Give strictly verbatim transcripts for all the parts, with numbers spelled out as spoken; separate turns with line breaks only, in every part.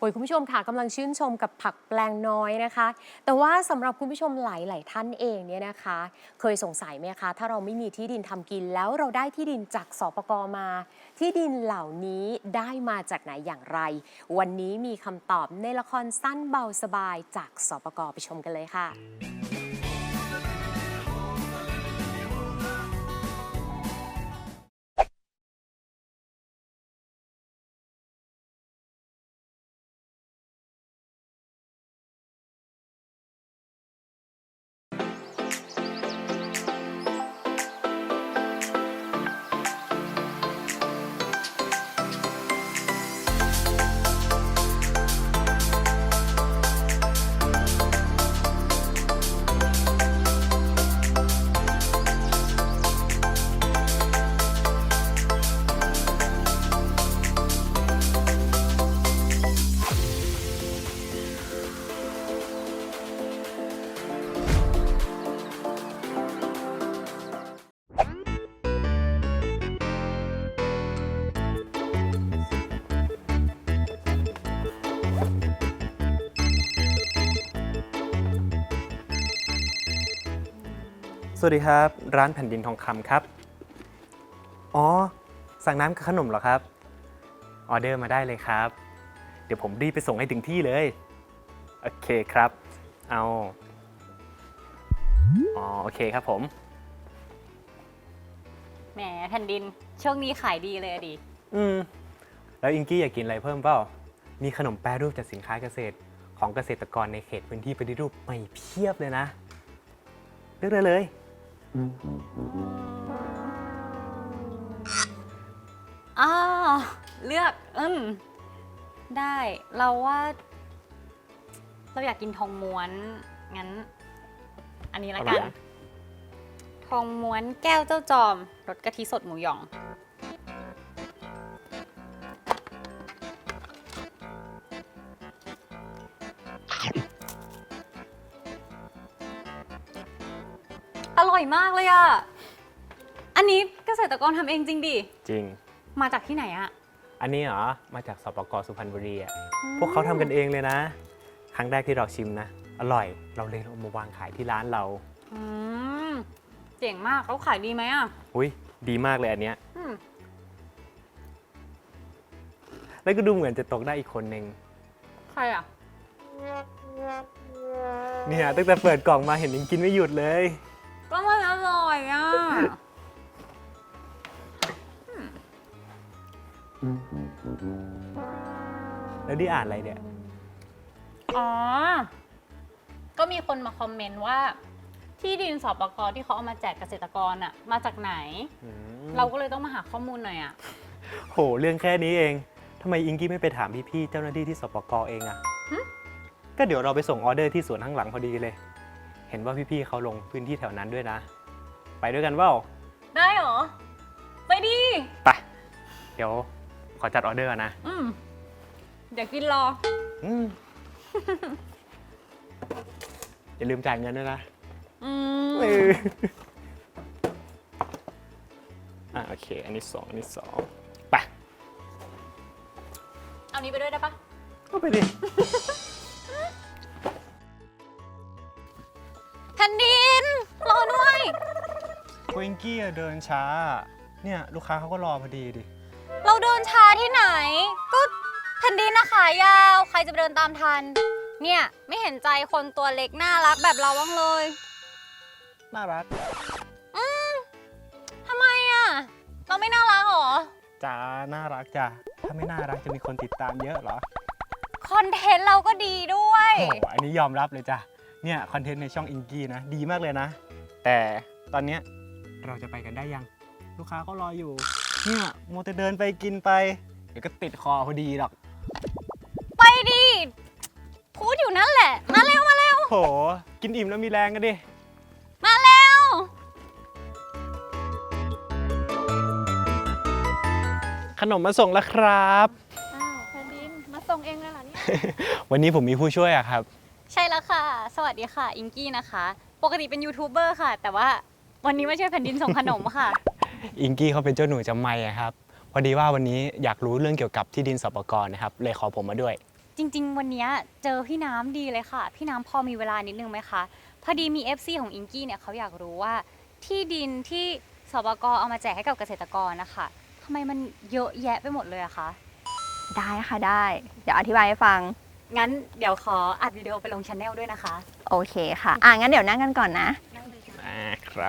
โอ้ยคุณผู้ชมค่ะกำลังชื่นชมกับผักแปลงน้อยนะคะแต่ว่าสำหรับคุณผู้ชมหลายๆท่านเองเนี่ยนะคะเคยสงสัยไหมคะถ้าเราไม่มีที่ดินทำกินแล้วเราได้ที่ดินจากสปก.มาที่ดินเหล่านี้ได้มาจากไหนอย่างไรวันนี้มีคำตอบในละครสั้นเบาสบายจากสปก.ไปชมกันเลยค่ะ
สวัสดีครับร้านแผ่นดินทองคำครับอ๋อสั่งน้ำกับขนมเหรอครับออเดอร์มาได้เลยครับเดี๋ยวผมรีบไปส่งให้ถึงที่เลยโอเคครับเอาอ๋อโอเคครับผม
แหมแผ่นดินช่วงนี้ขายดีเลยอะดิ
อืมแล้วอิงกี้อยากกินอะไรเพิ่มเปล่ามีขนมแปรรูปจากสินค้าเกษตรของเกษตรกรในเขตพื้นที่ปฏิรูปใหม่เพียบเลยนะเลือกได้เลย
อ้าเลือกอืมได้เราว่าเราอยากกินทองม้วนงั้นอันนี้ละกันทองม้วนแก้วเจ้าจอมรสกะทิสดหมูหยองอร่อยมากเลยอ่ะอันนี้เกษตรกรทำเองจริงดิ
จริง
มาจากที่ไหนอะ
อันนี้เหรอมาจากสปก.สุพรรณบุรีอ่ะพวกเขาทำกันเองเลยนะครั้งแรกที่เราชิมนะอร่อยเราเลยเอามาวางขายที่ร้านเรา
อืมเจ๋งมากเขาขายดีไหมอ่ะ
อุ้ยดีมากเลยอันเนี้ยแล้วก็ดูเหมือนจะตกได้อีกคนนึง
ใครอ่ะ
เนี่ยตั้งแต่เปิดกล่องมาเห็นยังกินไม่หยุดเลย
ก็มันอร่อยอ่ะ
แล้วนี่อ่านอะไรเนี่ย
อ๋อก็มีคนมาคอมเมนต์ว่าที่ดินสปก.ที่เขาเอามาแจกเกษตรกรอ่ะมาจากไหนเราก็เลยต้องมาหาข้อมูลหน่อยอ่ะ
โหเรื่องแค่นี้เองทำไมอิงกี้ไม่ไปถามพี่ๆเจ้าหน้าที่ที่สปก.เองอ่ะก็เดี๋ยวเราไปส่งออเดอร์ที่สวนข้างหลังพอดีเลยเห็นว่าพี่ๆเขาลงพื้นที่แถวนั้นด้วยนะไปด้วยกันเปล่า
ได้เหรอไปดิ
ไปเดี๋ยวขอจัดออเดอร์นะ
อืมเดี๋ยวกินรอ
อืมอย่าลืมจ่ายเงินด้วยนะ
อืม
อ่ะโอเคอันนี้สองอันนี้สองไป
เอานี้ไปด้วยได้ปะ
ก็ไปดิ
แผ่นดินรอด้วย
โคอิงกี้เดินช้าเนี่ยลูกค้าเขาก็รอพอดีดิ
เราเดินช้าที่ไหนก็แผ่นดินนะขายาวใครจะไปเดินตามทันเนี่ยไม่เห็นใจคนตัวเล็กน่ารักแบบเราบ้างเลย
น่ารัก
อืมทำไมอ่ะเราไม่น่ารักหรอ
จ้าน่ารักจ้ะถ้าไม่น่ารักจะมีคนติดตามเยอะเหรอ
คอนเทนต์เราก็ดีด้วย
โอ้อันนี้ยอมรับเลยจ้ะเนี่ยคอนเทนต์ในช่องอิงกี้นะดีมากเลยนะแต่ตอนเนี้ยเราจะไปกันได้ยังลูกค้าก็รออยู่เนี่ยโมแต่เดินไปกินไปเดี๋ยวก็ติดคอพอดีหรอก
ไปดิพูดอยู่นั่นแหละมาเร็วมาเร็ว
โหกินอิ่มแล้วมีแรงกันดิ
มาเร็ว
ขนมมาส่งแล้วครับ
อ้าวแผ่นดินมาส่งเองเลยเหรอเนี่ย
วันนี้ผมมีผู้ช่วยอะครับ
ใช่แล้วค่ะสวัสดีค่ะอิงกี้นะคะปกติเป็นยูทูบเบอร์ค่ะแต่ว่าวันนี้มาช่วยแผ่นดินส่งขนมค่ะ
อิงกี้เขาเป็นเจ้าหนูจำไม่ครับพอดีว่าวันนี้อยากรู้เรื่องเกี่ยวกับที่ดินสปก.นะครับเลยขอผมมาด้วย
จริงๆ วันเนี้ยเจอพี่น้ำดีเลยค่ะ พี่น้ำพอมีเวลานิดนึงไหมคะ พอดีมี เอฟ ซี ของอิงกี้เนี่ยเขาอยากรู้ว่าที่ดินที่สปกเอามาแจกให้กับเกษตรกรนะคะทำไมมันเยอะแยะไปหมดเลยอะคะ
ได้ค่ะได้ เดี๋ยวอธิบายให้ฟัง
งั้นเดี๋ยวขออัดวิดีโอไปลงช anel ด้วยนะคะ
โอเคค่ะ อ่ะงั้นเดี๋ยวนั่งกันก่อนนะ
อ่าครับ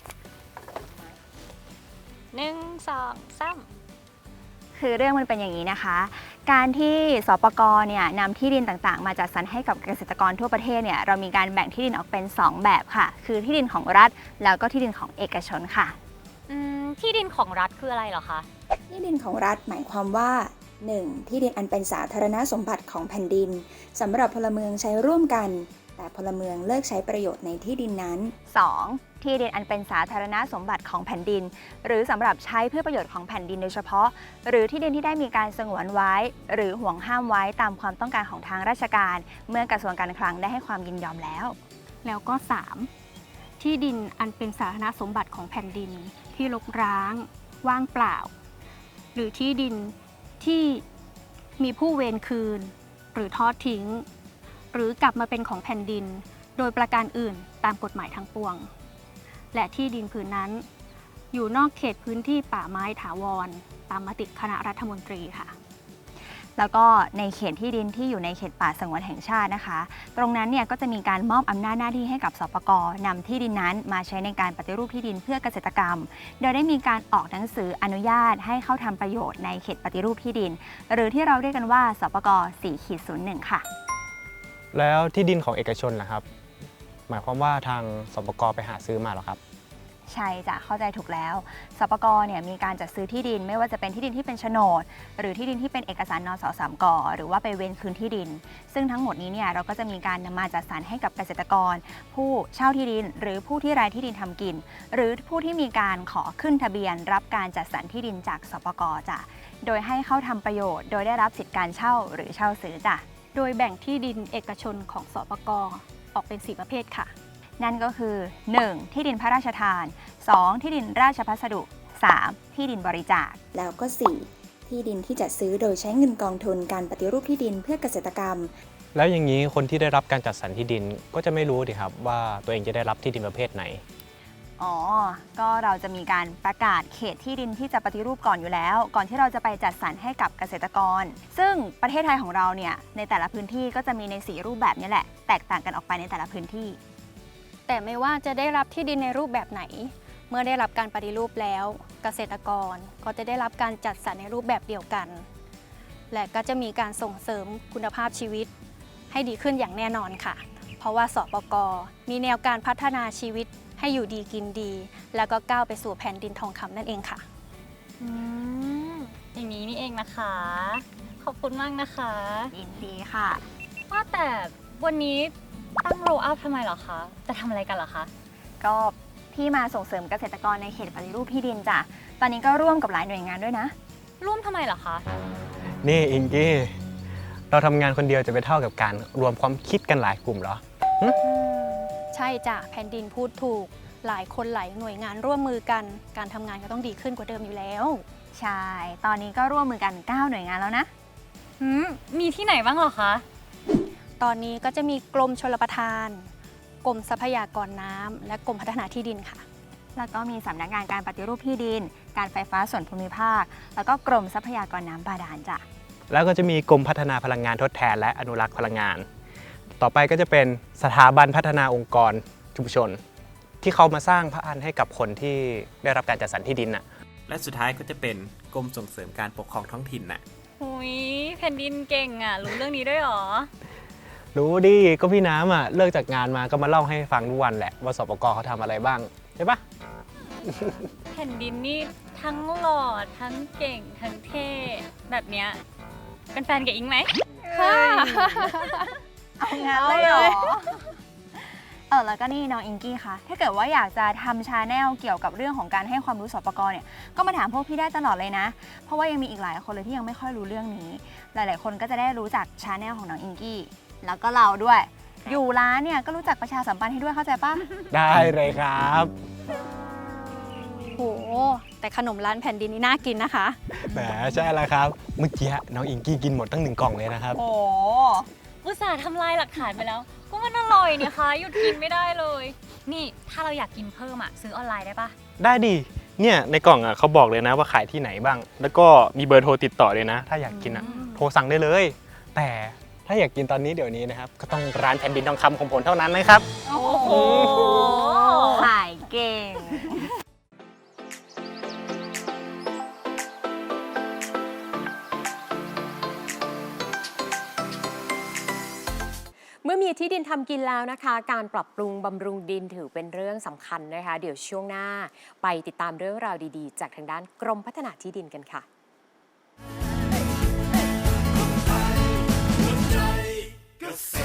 หนึ่งสองสาม
คือเรื่องมันเป็นอย่างนี้นะคะ การที่สปกเนี่ยนำที่ดินต่างๆ มาจัดสรรให้กับเกษตรกรทั่วประเทศเนี่ยเรามีการแบ่งที่ดินออกเป็น สอง แบบค่ะ คือที่ดินของรัฐแล้วก็ที่ดินของเอกชนค่ะ
อืมที่ดินของรัฐคืออะไรเหรอคะ
ที่ดินของรัฐหมายความว่า หนึ่ง. ที่ดินอันเป็นสาธารณสมบัติของแผ่นดินสำหรับพลเมืองใช้ร่วมกัน แต่พลเมืองเลิกใช้ประโยชน์ในที่ดินนั้น
สอง ที่ดินอันเป็นสาธารณสมบัติของแผ่นดิน หรือสำหรับใช้เพื่อประโยชน์ของแผ่นดินโดยเฉพาะ หรือที่ดินที่ได้มีการสงวนไว้ หรือห่วงห้ามไว้ตามความต้องการของทางราชการ เมื่อกระทรวงการคลังได้ให้ความยินยอมแล้ว
แล้วก็ สาม ที่ดินอันเป็นสาธารณสมบัติของแผ่นดินที่รกร้าง ว่างเปล่า หรือที่ดินที่มีผู้เวรคืน หรือทอดทิ้ง หรือกลับมาเป็นของแผ่นดิน โดยประการอื่นตามกฎหมายทั้งปวง และที่ดินผืนนั้น อยู่นอกเขตพื้นที่ป่าไม้ถาวร ตามมติคณะรัฐมนตรีค่ะ
แล้วก็ในเขตที่ดินที่อยู่ในเขตป่าสงวนแห่งชาตินะคะ ตรงนั้นเนี่ยก็จะมีการมอบอำนาจหน้าที่ให้กับสปกนำที่ดินนั้นมาใช้ในการปฏิรูปที่ดินเพื่อเกษตรกรรม โดยได้มีการออกหนังสืออนุญาตให้เข้าทำประโยชน์ในเขตปฏิรูปที่ดิน หรือที่เราเรียกกันว่าสปก สี่ศูนย์หนึ่ง ค่ะ
แล้วที่ดินของเอกชนล่ะครับ หมายความว่าทางสปกไปหาซื้อมาเหรอครับ
ใช่จ้ะเข้าใจถูกแล้วสปกเนี่ยมีการจัดซื้อที่ดินไม่ว่าจะเป็นที่ดินที่เป็นโฉนด หรือที่ดินที่เป็นเอกสารนสสามกหรือว่าไปเว้นคืนที่ดิน ซึ่งทั้งหมดนี้เนี่ยเราก็จะมีการนำมาจัดสรรให้กับเกษตรกร ผู้เช่าที่ดิน หรือผู้ที่รายที่ดินทำกิน หรือผู้ที่มีการขอขึ้นทะเบียน รับการจัดสรรที่ดินจากสปกจ้ะโดยให้เข้าทำประโยชน์ โดยได้รับสิทธิการเช่าหรือเช่าซื้อจ้ะ
โดยแบ่งที่ดินเอกชนของสปกออกเป็น สี่ ประเภทค่ะ
นั่นก็คือ หนึ่ง ที่ดินพระราชทาน สอง ที่ดินราชพัสดุ สาม ที่ดินบริจาค
แล้วก็ สี่. ที่ดินที่จัดซื้อโดยใช้เงินกองทุนการปฏิรูปที่ดินเพื่อเกษตรกรรม
แล้วอย่างนี้คนที่ได้รับการจัดสรรที่ดินก็จะไม่รู้ดิครับว่าตัวเองจะได้รับที่ดินประเภทไหน
อ๋อ ก็เราจะมีการประกาศเขตที่ดินที่จะปฏิรูปก่อนอยู่แล้ว ก่อนที่เราจะไปจัดสรรให้กับเกษตรกร ซึ่งประเทศไทยของเราเนี่ยในแต่ละพื้นที่ก็จะมีในสีรูปแบบนี้แหละ แตกต่างกันออกไปในแต่ละพื้นที่
แต่ไม่ว่าจะได้รับที่ดินในรูปแบบไหน เมื่อได้รับการปฏิรูปแล้ว เกษตรกรก็จะได้รับการจัดสรรในรูปแบบเดียวกัน และก็จะมีการส่งเสริมคุณภาพชีวิตให้ดีขึ้นอย่างแน่นอนค่ะ เพราะว่าสปกมีแนวการพัฒนาชีวิตให้อยู่ดีกินดี แล้วก็ก้าวไปสู่แผ่นดินทองคำนั่นเองค่ะ
อืมอย่างนี้นี่เองนะคะ ขอบคุณมากนะคะ
ยินดีค่ะ
ว่าแต่วันนี้ตั้งโรอัพทำไมเหรอคะ จะทำอะไรกันเหรอคะ
ก็พี่มาส่งเสริมเกษตรกรในเขตปฏิรูปที่ดินจ้ะ ตอนนี้ก็ร่วมกับหลายหน่วยงานด้วยนะ
ร่วมทำไมเหรอคะ
นี่อิงกี้ เราทำงานคนเดียวจะไปเท่ากับการรวมความคิดกันหลายกลุ่มเหรอ
ใช่จ้ะแผ่นดินพูดถูก หลายคนหลายหน่วยงานร่วมมือกัน การทำงานก็ต้องดีขึ้นกว่าเดิมอยู่แล้ว
ใช่ ตอนนี้ก็ร่วมมือกัน เก้า หน่วยงานแล้วนะ
หืม มีที่ไหนบ้างเหรอคะ
ตอนนี้ก็จะมีกรมชลประทาน กรมทรัพยากรน้ำและกรมพัฒนาที่ดินค่ะ
แล้วก็มีสำนักงานการปฏิรูปที่ดิน การไฟฟ้าส่วนภูมิภาค แล้วก็กรมทรัพยากรน้ำบาดาลจ้ะ
แล้วก็จะมีกรมพัฒนาพลังงานทดแทนและอนุรักษ์พลังงาน ต่อไปก็จะเป็นสถาบันพัฒนาองค์กรชุมชน ที่เขามาสร้างพระอันให้กับคนที่ได้รับการจัดสรรที่ดินน่ะ
และสุดท้ายก็จะเป็นกรมส่งเสริมการปกครองท้องถิ่นน่ะ
หุยแผ่นดินเก่งอ่ะ รู้เรื่องนี้ด้วยเหรอ
รู้ดิ ก็พี่น้ำอ่ะเลิกจากงานมาก็มาเล่าให้ฟังทุกวันแหละว่าสปกเขาทำอะไรบ้างใช่ปะ
แผ่นดินนี่ทั้งหล่อทั้งเก่งทั้งเท่แบบเนี้ยเป็นแฟนกับอิงไหม
เอางั้นเลยเหรอ เออแล้วก็นี่น้องอิงกี้คะถ้าเกิดว่าอยากจะทำชาแนลเกี่ยวกับเรื่องของการให้ความรู้สปกเนี่ยก็มาถามพวกพี่ได้ตลอดเลยนะ เพราะว่ายังมีอีกหลายคนเลยที่ยังไม่ค่อยรู้เรื่องนี้ หลาย ๆ คนก็จะได้รู้จักชาแนลของน้องอิงกี้แล้วก็เราด้วย อยู่ร้านเนี่ยก็รู้จักประชาสัมพันธ์ให้ด้วยเข้าใจปะ
ได้เลยครับ
โหแต่ขนมร้านแผ่นดินนี่น่ากินนะคะ
แหมใช่แล้วครับ เมื่อกี้น้องอิงกี้กินหมดตั้งหนึ่งกล่องเลยนะครับ
โอ้อุตส่าห์ทำลายหลักฐานไปแล้ว ก็มันอร่อยเนี่ยคะหยุดกินไม่ได้เลย นี่ถ้าเราอยากกินเพิ่มอ่ะซื้อออนไลน์ได้ปะ
ได้ดิ เนี่ยในกล่องอ่ะเขาบอกเลยนะว่าขายที่ไหนบ้าง แล้วก็มีเบอร์โทรติดต่อเลยนะ ถ้าอยากกินอ่ะโทรสั่งได้เลย แต่ถ้าอยากกินตอนนี้เดี๋ยวนี้นะครับ ก็ต้องร้านแผ่นดินทองคำของผมเท่านั้นนะครับ
โอ้โห
ขายเก่ง
เมื่อมีที่ดินทำกินแล้วนะคะ การปรับปรุงบำรุงดินถือเป็นเรื่องสำคัญนะคะ เดี๋ยวช่วงหน้าไปติดตามเรื่องราวดีๆ จากทางด้านกรมพัฒนาที่ดินกันค่ะ
เกษ